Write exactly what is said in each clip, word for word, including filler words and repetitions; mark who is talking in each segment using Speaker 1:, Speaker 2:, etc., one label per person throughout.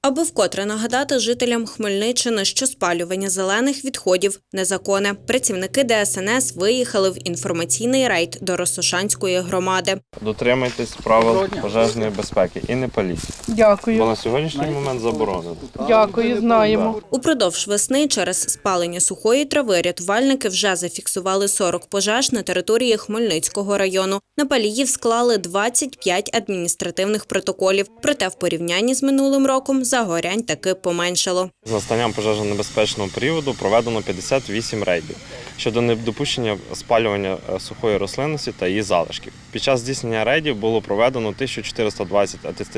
Speaker 1: Аби вкотре нагадати жителям Хмельниччини, що спалювання зелених відходів – незаконне, працівники Де Ес Ен Ес виїхали в інформаційний рейд до Росошанської громади.
Speaker 2: Дотримуйтесь правил пожежної безпеки і не паліть.
Speaker 3: Дякую.
Speaker 2: Бо на сьогоднішній момент заборонено.
Speaker 3: Дякую, знаємо.
Speaker 1: Упродовж весни через спалення сухої трави рятувальники вже зафіксували сорок пожеж на території Хмельницького району. На паліїв склали двадцять п'ять адміністративних протоколів. Проте в порівнянні з минулим роком загорянь таки поменшало.
Speaker 2: З настанням пожежонебезпечного періоду проведено п'ятдесят вісім рейдів щодо недопущення спалювання сухої рослинності та її залишків. Під час здійснення рейдів було проведено тисячу чотириста двадцять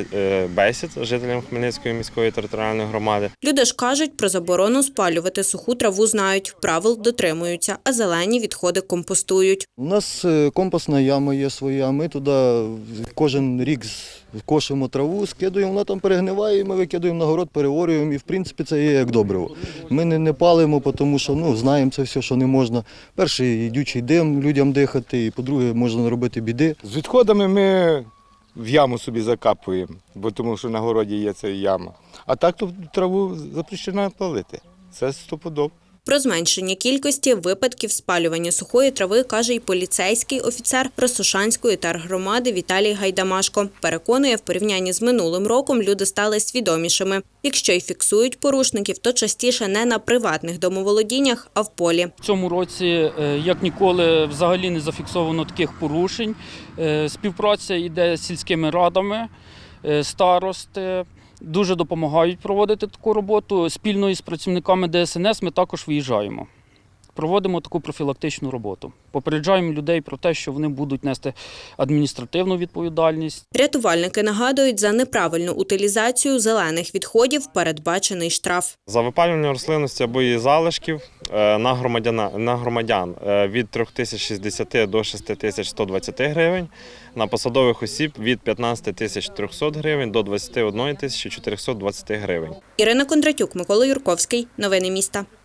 Speaker 2: бесід жителям Хмельницької міської територіальної громади.
Speaker 1: Люди ж кажуть, про заборону спалювати суху траву знають, правил дотримуються, а зелені відходи компостують.
Speaker 4: У нас компостна яма є своя, ми туди кожен рік кошимо траву, скидуємо, вона там перегниває, і ми викидаємо на город, переорюємо, і в принципі це є як добриво. Ми не, не палимо, тому що ну, знаємо це все, що не можна. Перший, йдучий дим людям дихати, і по-друге, можна наробити біди.
Speaker 5: З відходами ми в яму собі закапуємо, бо тому що на городі є ця яма. А так то траву запрещено палити. Це стопудово.
Speaker 1: Про зменшення кількості випадків спалювання сухої трави каже й поліцейський офіцер Росошанської тергромади Віталій Гайдамашко. Переконує, в порівнянні з минулим роком люди стали свідомішими. Якщо й фіксують порушників, то частіше не на приватних домоволодіннях, а в полі.
Speaker 6: В цьому році, як ніколи, взагалі не зафіксовано таких порушень. Співпраця йде з сільськими радами, старости. Дуже допомагають проводити таку роботу. Спільно із працівниками Де Ес Ен Ес ми також виїжджаємо. Проводимо таку профілактичну роботу. Попереджаємо людей про те, що вони будуть нести адміністративну відповідальність.
Speaker 1: Рятувальники нагадують, за неправильну утилізацію зелених відходів передбачений штраф.
Speaker 2: За випалювання рослинності або її залишків на громадян, на громадян від три тисячі шістдесят до шість тисяч сто двадцять гривень, на посадових осіб від п'ятнадцять тисяч триста гривень до двадцять одна тисяча чотириста двадцять гривень.
Speaker 1: Ірина Кондратюк, Микола Юрковський. Новини міста.